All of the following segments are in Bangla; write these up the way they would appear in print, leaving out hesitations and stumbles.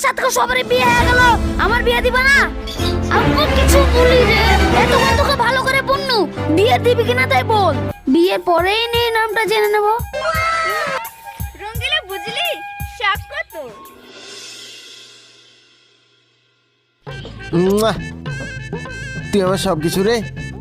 সাথে সবারই বিয়ে হয়ে গেল, আমার বিয়ে দিবা না? আমি কিছু বলি রে, এতক্ষণ তোকে ভালো করে বলনু, বিয়ে দিবি কিনা তাই বল। বিয়ের পরেই নিয়ে নামটা জেনে নেব। রঙ্গিলা বুঝলি শখ কত? তুই আমার সব কিছু রে।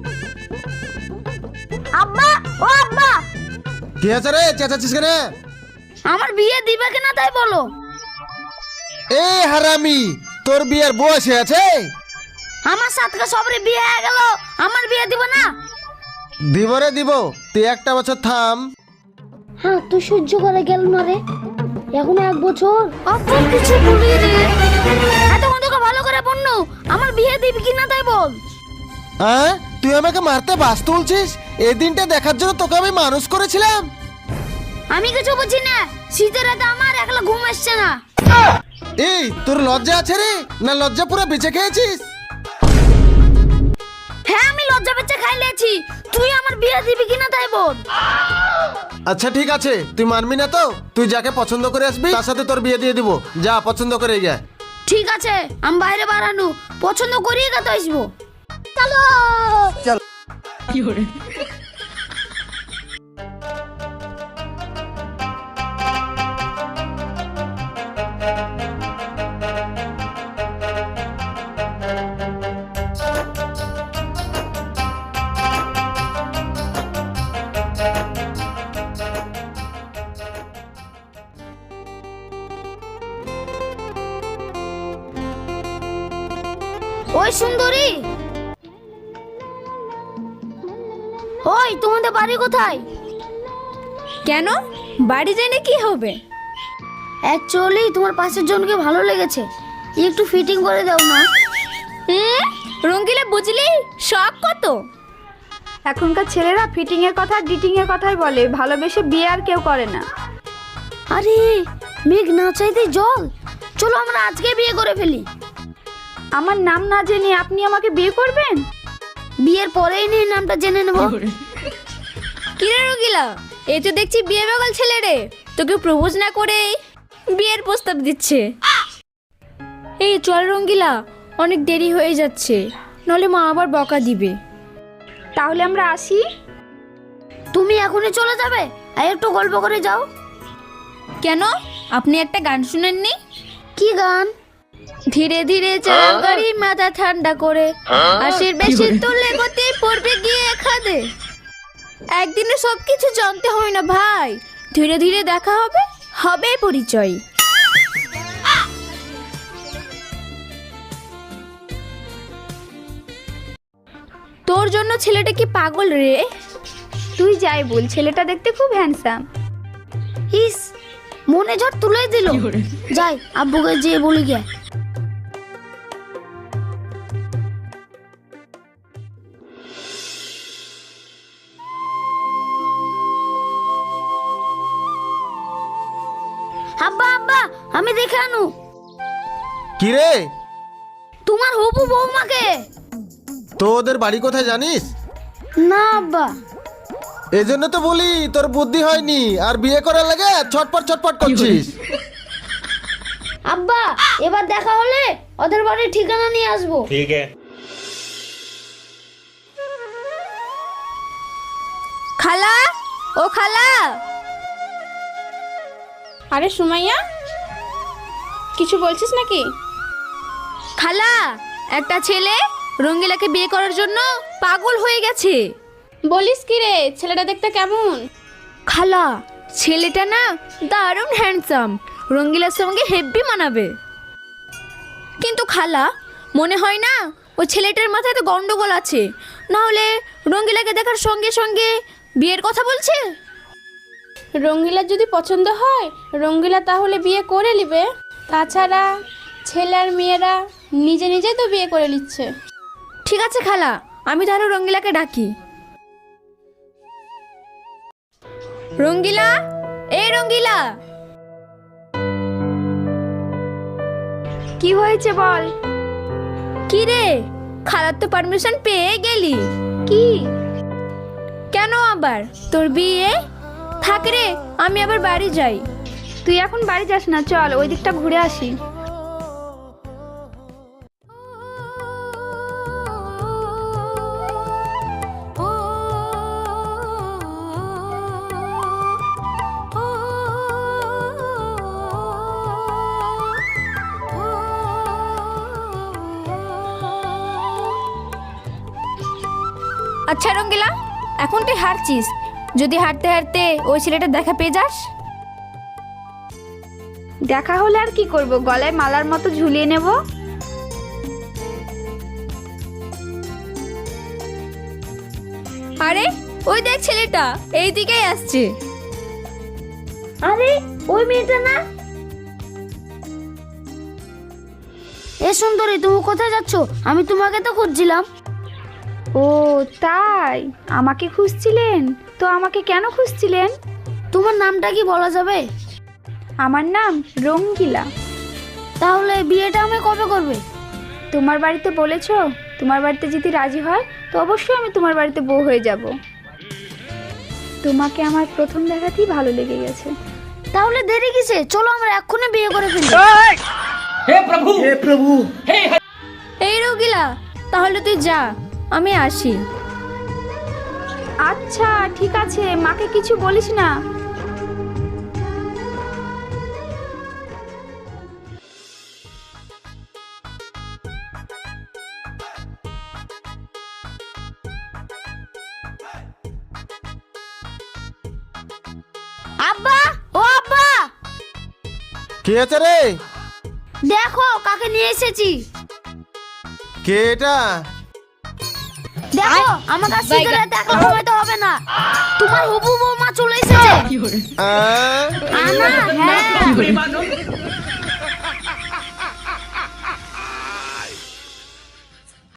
আব্বা, ও আব্বা, কি আছে রে, চেঁচাচ্ছিস কেন? আমার বিয়ে দিবে কিনা তাই বলো। এ হারামি, তোর বিয়ের বয়স আছে? আমার সাথে সবারই বিয়ে হয়ে গেল, আমার বিয়ে দিব না? দিব রে দিব, তুই একটা বছর থাম। হ্যাঁ, তুই সহ্য করে গেল না রে, এখন 1 বছর। আব্বা কিছু বলি রে, এতক্ষণ তোকে ভালো করে বলনু, আমার বিয়ে দিবি কিনা তাই বল। হ্যাঁ, তুই আমাকে মারতে বাস তুলছিস? এই দিনটা দেখার জন্য তোকে আমি মানুষ করেছিলাম। আমি কিছু বুঝি না, শীতের রাতে আমার একলা ঘুম আসছে না। এই তোর লজ্জা আছে রে, না লজ্জা পুরো বেঁচে খেয়েছিস? হ্যাঁ, আমি লজ্জা পেতে খাই লেছি, তুই আমার বিয়ে দিবি কিনা তাই বল। আচ্ছা ঠিক আছে, তুই মানবি না তো? তুই যাকে পছন্দ করে আসবি তার সাথে তোর বিয়ে দিয়ে দিব। যা পছন্দ করে গিয়া। ঠিক আছে, আমি বাইরে বাড়ানো পছন্দ করিয়ে কত আসবো। চলো চল। ওই সুন্দরী, ওই তোমাদের বাড়ি কোথায়? কেন বাড়ি যাই না কি হবে? অ্যাকচুয়ালি তোমার পাশের জনকে ভালো লেগেছে, একটু ফিটিং করে দাও না। রঙ্গিলা বুঝলি শখ কত? এখনকার ছেলেরা ফিটিং এর কথা ডিটিং এর কথাই বলে, ভালোবেসে বিয়ে আর কেউ করে না। আরে মেঘ না চাইতে জল, চলো আমরা আজকে বিয়ে করে ফেলি। আমার নাম না জেনে আপনি আমাকে বিয়ে করবেন? বিয়ের পরেই নিয়ে নামটা জেনে নেব। কি রে রঙ্গিলা, এই তো দেখছি বিয়ে বেগাল ছেলে রে, তোকে প্রপোজ না করে বিয়ের প্রস্তাব দিচ্ছে। এই চল রঙ্গিলা, অনেক দেরি হয়ে যাচ্ছে, নলে মা আবার বকা দিবে। তাহলে আমরা আসি? তুমি এখনই চলে যাবে? আর একটু গল্প করে যাও। কেন, আপনি একটা গান শুনেননি? কি গান? ধীরে ধীরে চালাও গাড়ি, মাথা ঠান্ডা করে, আশির বেশি তুললে গতি পড়বে গিয়ে খাদে। একদিনে সবকিছু জানতে হয় না ভাই, ধীরে ধীরে দেখা হবে, হবে পরিচয়। তোর জন্য ছেলেটা কি পাগল রে? তুই যাই বল, ছেলেটা দেখতে খুব হ্যান্ডসাম। ইস, মনে ঝড় তুলে দিল। যাই আব্বুকে যেয়ে বলি গে। আব্বা আব্বা, আমি দেখে আনু। কি রে? তোমার হবু বৌমাকে। তো ওদের বাড়ি কোথায় জানিস? না আব্বা। এই জন্য তো বলি তোর বুদ্ধি হয়নি, আর বিয়ে করার লাগে ছটপট ছটপট করছিস। আব্বা, এবার দেখা হলে ওদের বাড়ির ঠিকানা নিয়ে আসবো। ठीक है। খালা, ও খালা। আরে সুমাইয়া, কিছু বলছিস নাকি? খালা, একটা ছেলে রঙ্গিলাকে বিয়ে করার জন্য পাগল হয়ে গেছে। বলিস কি রে, ছেলেটা দেখতে কেমন? খালা, ছেলেটা না দারুণ হ্যান্ডসাম, রঙ্গিলার সঙ্গে হেব্বি মানাবে। কিন্তু খালা, মনে হয় না ওই ছেলেটার মাথায় তো গন্ডগোল আছে, না হলে রঙ্গিলাকে দেখার সঙ্গে সঙ্গে বিয়ের কথা বলছে। রঙ্গিলার যদি পছন্দ হয়, রঙ্গিলা তাহলে বিয়ে করে নিবে। তাছাড়া ছেলে আর মেয়েরা নিজে নিজে তো বিয়ে করে নিচ্ছে। ঠিক আছে খালা, আমি তাহলে রঙ্গিলাকে ডাকি। রঙ্গিলা, এই রঙ্গিলা। কি হয়েছে বল। কি রে, খালার তো পারমিশন পেয়ে গেলি। কি? কেন আবার, তোর বিয়ে? থাক রে, আমি আবার বাড়ি যাই। তুই এখন বাড়ি যাস না, চল ওই দিকটা ঘুরে আসি। আচ্ছা রঙ্গিলা, এখন তুই হারছিস, যদি হারতে হারতে ওই ছেলেটার দেখা পেয়ে যাস? দেখা হলে আর কি করব, গলায় মালার মতো ঝুলিয়ে নেব। আরে ওই দেখ ছেলেটা এই দিকেই আসছে। আরে ওই মেয়েটা না? এ সুন্দরী, তুমি কোথায় যাচ্ছ? আমি তোমাকে তো খুঁজছিলাম। ও তাই, আমাকে খুঁজছিলেন? তো আমাকে কেন খুঁজছিলেন? তোমার নামটা কি বলা যাবে? আমার নাম রঙ্গিলা। তাহলে বিয়েটা আমি কবে করবে? তোমার বাড়িতে বলেছো? তোমার বাড়িতে যদি রাজি হয় তো অবশ্যই আমি তোমার বাড়িতে বউ হয়ে যাব। তোমাকে আমার প্রথম দেখাতেই ভালো লেগে গেছে। তাহলে দেরি কিসে? চলো আমরা এক্ষুনি বিয়ে করে ফেলি। এই রঙ্গিলা, তাহলে তুই যা, আমি আসি। আচ্ছা ঠিক আছে, মাকে কিছু বলিস না। আব্বা, ও আব্বা, কি আছে রে? দেখো কাকে নিয়ে এসেছি। কে এটা? দেখো আমার কাছে সিগারেট একলা ঘুমাইতে হবে না, তোমার হবু বৌমা চলে এসেছে। আহ? আনা, হ্যাঁ।